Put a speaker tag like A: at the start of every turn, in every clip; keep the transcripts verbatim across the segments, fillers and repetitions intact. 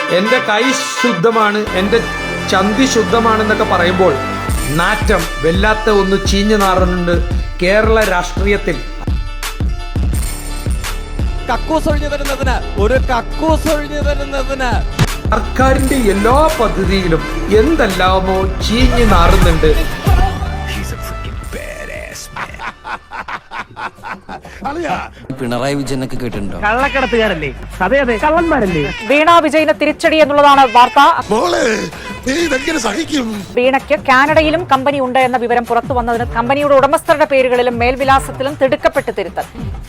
A: എൻ്റെ കൈ ശുദ്ധമാണ്, എൻ്റെ ചന്തി ശുദ്ധമാണെന്നൊക്കെ പറയുമ്പോൾ നാറ്റം വല്ലാത്ത ഒന്ന് ചീഞ്ഞു നാറുന്നുണ്ട് കേരള രാഷ്ട്രീയത്തിൽ.
B: കക്കൂസ് ഒഴിഞ്ഞു തരുന്നതിന് ഒരു കക്കൂസ് ഒഴിഞ്ഞു തരുന്നതിന്
A: സർക്കാരിന്റെ എല്ലാ പദ്ധതിയിലും എന്തെല്ലാമോ ചീഞ്ഞു നാറുന്നുണ്ട്.
C: പിണറായി വിജയനൊക്കെ കേട്ടിട്ടുണ്ടോ?
D: കള്ളക്കടത്തുകാരല്ലേ? അതെ അതെ, കള്ളന്മാരല്ലേ?
E: വീണ വിജയന് തിരിച്ചടി എന്നുള്ളതാണ് വാർത്ത. വീണയ്ക്ക് കാനഡയിലും കമ്പനി ഉണ്ട് എന്ന വിവരം പുറത്തു വന്നതിന് കമ്പനിയുടെ ഉടമസ്ഥരുടെ പേരുകളിലും മേൽവിലാസത്തിലും തിടുക്കപ്പെട്ട് തിരുത്തൽ.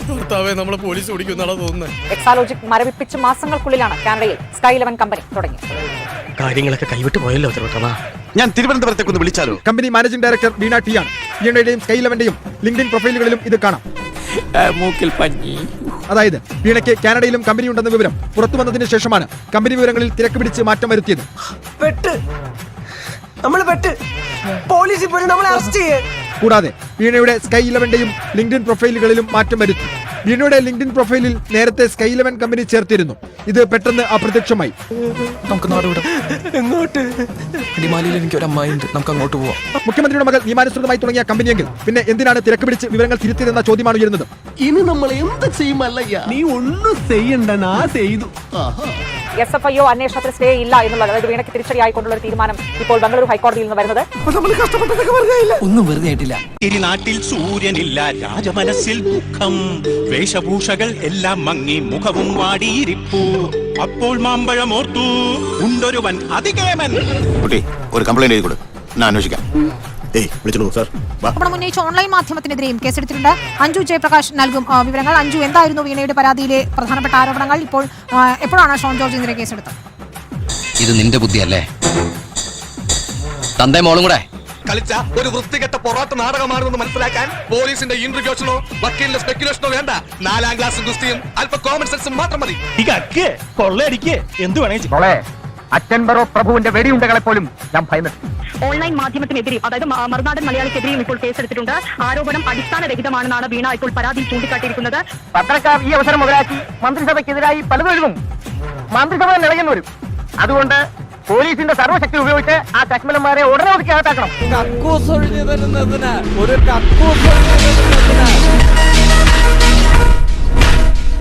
E: എക്സാലോജിക് മരവിപ്പിച്ച് മാസങ്ങൾക്കുള്ളിലാണ് കാനഡയിൽ സ്കൈ ഇലവൻ കമ്പനി തുടങ്ങിയത്.
D: കാര്യങ്ങളൊക്കെ കൈവിട്ട് പോയല്ലോ.
F: ഞാൻ തിരുവനന്തപുരത്തേക്ക് ഒന്ന് വിളിച്ചാലോ?
G: Company managing director Veena T ആണ്. വീണയുടെയും സ്കൈ ഇലവന്റെയും ലിങ്ക്ഡിൻ പ്രൊഫൈലുകളിലും ഇത് കാണാം.
B: മൂക്കിൽ പഞ്ഞി.
G: അതായത് വീണയ്ക്ക് കാനഡയിലും കമ്പനി ഉണ്ടെന്ന വിവരം പുറത്തു വന്നതിന് ശേഷമാണ് കമ്പനി വിവരങ്ങളിൽ തിരക്ക് പിടിച്ച് മാറ്റം വരുത്തിയത്. കൂടാതെ വീണയുടെ സ്കൈ ഇലവന്റെയും ലിങ്ക്ഡിൻ പ്രൊഫൈലുകളിലും മാറ്റം വരുത്തി. വീണയുടെ ലിങ്ക്ഡിൻ പ്രൊഫൈലിൽ നേരത്തെ സ്കൈ ഇലവൻ കമ്പനി ചേർത്തിരുന്നു. ഇത് പെട്ടെന്ന് അപ്രത്യക്ഷമായി.
B: നമുക്ക് എങ്ങോട്ട്? അടിമാലിയിൽ എനിക്ക് ഒരു അമ്മായിണ്ട്, നമുക്ക് അങ്ങോട്ട് പോവാം.
G: മുഖ്യമന്ത്രിയുടെ മകൾ നിയമാനുസൃതമായി തുടങ്ങിയ കമ്പനിയെങ്കിൽ പിന്നെ എന്തിനാണ് തിരക്ക് പിടിച്ച് വിവരങ്ങൾ തിരുത്തിയതെന്ന ചോദ്യമാണ് ഉയരുന്നത്.
F: ഇനി നമ്മൾ എന്ത് ചെയ്യുമല്ലയ്യ?
D: നീ ഒന്നും ചെയ്യണ്ട, ഞാൻ ചെയ്തു.
E: എസ് എഫ് ഐ ഒ അന്വേഷണത്തിൽ സ്റ്റേ ഇല്ല എന്നുള്ളത്, അതായത് വീണയ്ക്ക് തിരിച്ചടിയായിക്കൊണ്ടുള്ള ഒരു തീരുമാനം ഇപ്പോൾ ബംഗളൂരു ഹൈക്കോടതിയിൽ നിന്ന് വരുന്നത്.
C: ഒന്നും വെറുതെ ആയിട്ടില്ല.
H: ഇനി നാട്ടിൽ സൂര്യനില്ല, രാജമനസ്സിൽ ദുഃഖം, വേഷഭൂഷകൾ എല്ലാം മങ്ങി, മുഖവും വാടിയിരിപ്പു. അപ്പോൾ മാമ്പഴമോർത്തു ഉണ്ടൊരുവൻ അതികേമൻ.
F: കുട്ടി, ഒരു കംപ്ലൈന്റ് എഴുതി കൊടു, ഞാൻ അന്വേഷിക്കാം.
I: ആരോപണം ഉന്നയിച്ച ഓൺലൈൻ മാധ്യമത്തിനെതിരെയും കേസെടുത്തിട്ടുണ്ട്. അഞ്ജു ജയപ്രകാശ് നൽകും വിവരങ്ങൾ. അഞ്ജു, എന്തായിരുന്നു വീണയുടെ പരാതിയിലെ പ്രധാനപ്പെട്ട ആരോപണങ്ങൾ? ഇപ്പോൾ എപ്പോഴാണ് ഷോൺ ജോർജിനെതിരെ കേസെടുത്തത്?
C: ഇത് നിന്റെ ബുദ്ധിയല്ലേ? തന്റെ മോളും കൂടെ
H: കളിച്ച ഒരു വൃത്തികെട്ട പൊറാട്ട് നാടകമാണെന്ന് മനസ്സിലാക്കാൻ പോലീസിന്റെ ഇന്റർവ്യൂഷനോ വക്കീലിന്റെ സ്പെക്കുലേഷനോ വേണ്ട. നാലാം ക്ലാസ് ഗുസ്തിയും അല്പ കോമൺ സെൻസും മാത്രം മതി.
D: കൊള്ളയടിക്ക്, എന്ത് വേണേ
G: അച്ഛൻ ബറോ പ്രഭുവിന്റെ വെടിയുണ്ടകളെ പോലും ഞാൻ ഭയന്നിട്ടുണ്ട്.
E: ഓൺലൈൻ മാധ്യമത്തിനെതിരെയും അതായത് മറുനാടൻ മലയാളിക്കെതിരെയും ഇപ്പോൾ കേസെടുത്തിട്ടുണ്ട്. ആരോപണം അടിസ്ഥാനരഹിതമാണെന്നാണ് വീണ ഇപ്പോൾ പരാതിയിൽ ചൂണ്ടിക്കാട്ടിയിരിക്കുന്നത്.
D: പത്രക്കാർ ഈ അവസരം മുതലാക്കി മന്ത്രിസഭയ്ക്കെതിരായി പലതും മന്ത്രിസഭ നിലയുന്നു വരും. അതുകൊണ്ട് പോലീസിന്റെ സർവ്വശക്തി ഉപയോഗിച്ച് ആ കശ്മലന്മാരെ ഉടനെ ഒതുക്കി അകത്താക്കണം.
B: കക്കൂസ് ഒഴിഞ്ഞു തരുന്നതിന് ഒരു കക്കൂസ് ഒഴിഞ്ഞു തരുന്നതിന്